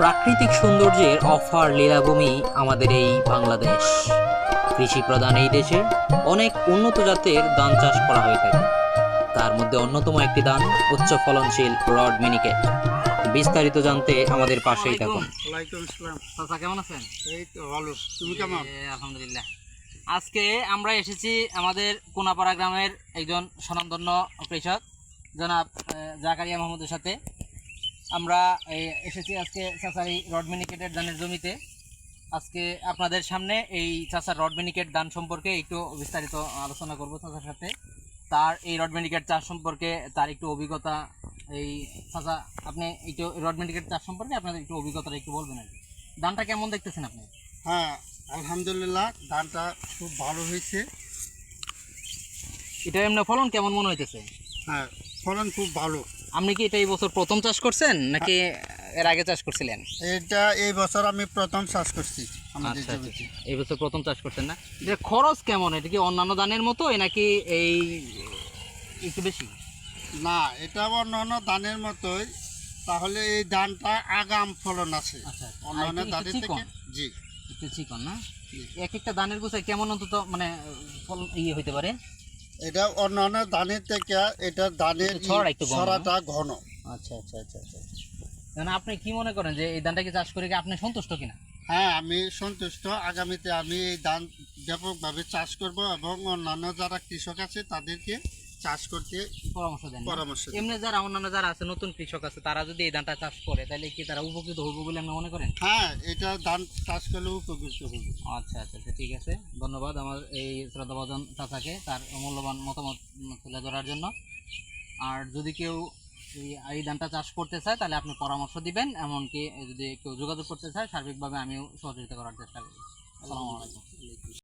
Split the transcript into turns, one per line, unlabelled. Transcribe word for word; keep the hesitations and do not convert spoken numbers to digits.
প্রাকৃতিক সৌন্দর্যের অফার লীলাভূমি আমাদের এই বাংলাদেশ। কৃষি প্রধান এই দেশে অনেক উন্নত জাতের ধান চাষ করা হয়ে থাকে। তার মধ্যে অন্যতম একটি ধান উচ্চ ফলনশীল রড মিনিকেট। বিস্তারিত জানতে আমাদের পাশেই থাকুন।
ওয়ালাইকুম আসসালাম।
চাচা কেমন আছেন?
এই তো ভালো, তুমি কেমন?
এ, আলহামদুলিল্লাহ। আজকে আমরা এসেছি আমাদের কোনাপাড়া গ্রামের একজন স্বনামধন্য কৃষক জনাব আহ, জাকারিয়া মাহমুদের সাথে। আমরা এই, এসেছি আজকে চাচারি রড মিনিকেটের ধানের জমিতে। আজকে আপনাদের সামনে এই চাচার রড মিনিকেট ধান সম্পর্কে একটু বিস্তারিত আলোচনা করব চাচার সাথে। তার এই রড মিনিকেট চাষ সম্পর্কে তার একটু অভিজ্ঞতা। এই চাচা, আপনি একটু রড মিনিকেট চাষ সম্পর্কে আপনাদের একটু অভিজ্ঞতাটা একটু বলবেন আর কি। ধানটা কেমন দেখতেছেন আপনি?
হ্যাঁ, আলহামদুলিল্লাহ, ধানটা খুব ভালো হয়েছে।
এটা এমনি ফলন কেমন মনে হইতেছে?
হ্যাঁ, ফলন খুব ভালো।
আপনি কি এটা এই বছর প্রথম চাষ করছেন নাকি এর আগে চাষ করছিলেন?
এটা এই বছর আমি প্রথম চাষ করছি আমাদের
আচ্ছা,
জমিতে।
আচ্ছা। এই বছর প্রথম চাষ করছেন না? এটা খরচ কেমন? এটা কি অন্যান্য ধানের মতো নাকি এই একটু বেশি?
না, এটা অন্যান্য ধানের মতোই, তাহলে এই ধানটা আগাম ফলন আছে
আচ্ছা, আচ্ছা।
অন্যান্য
আর একটু
ধানের
চিকন?
থেকে। জি,
একটু চিকন না? এক একটা ধানের গোছায় কেমন অন্তত মানে ফলন ইয়ে হইতে পারে?
এটা অন্যান্য ধানের থেকে এটা ধানের
একটু ছড়া একটু ঘন না?
ছড়াটা ঘন।
আচ্ছা, আচ্ছা, আচ্ছা, আচ্ছা। মানে আপনি কি মনে করেন যে এই ধানটাকে চাষ করে কি আপনি সন্তুষ্ট কিনা?
হ্যাঁ, আমি সন্তুষ্ট। আগামীতে আমি এই ধান ব্যাপকভাবে চাষ করব এবং অন্যান্য যারা কৃষক আছে তাদেরকে চাষ করতে
পরামর্শ দেন না?
পরামর্শ দেব।
এমনি যারা অন্যান্য যারা আছে নতুন কৃষক আছে তারা যদি এই ধানটা চাষ করে তাহলে কি তারা উপকৃত হবে বলে আপনি মনে করেন?
হ্যাঁ, এটা ধান চাষ করলে উপকৃত হবে।
আচ্ছা, আচ্ছা, আচ্ছা, ঠিক আছে। ধন্যবাদ আমার এই শ্রদ্ধাভাজন চাচাকে তার মূল্যবান মতামত তুলে ধরার জন্য। আর যদি কেউ এই এই ধানটা চাষ করতে চায় তাহলে আপনি পরামর্শ দিবেন, এমনকি যদি কেউ যোগাযোগ করতে চায় সার্বিকভাবে আমিও সহযোগিতা করার চেষ্টা করি। আসসালামু আলাইকুম।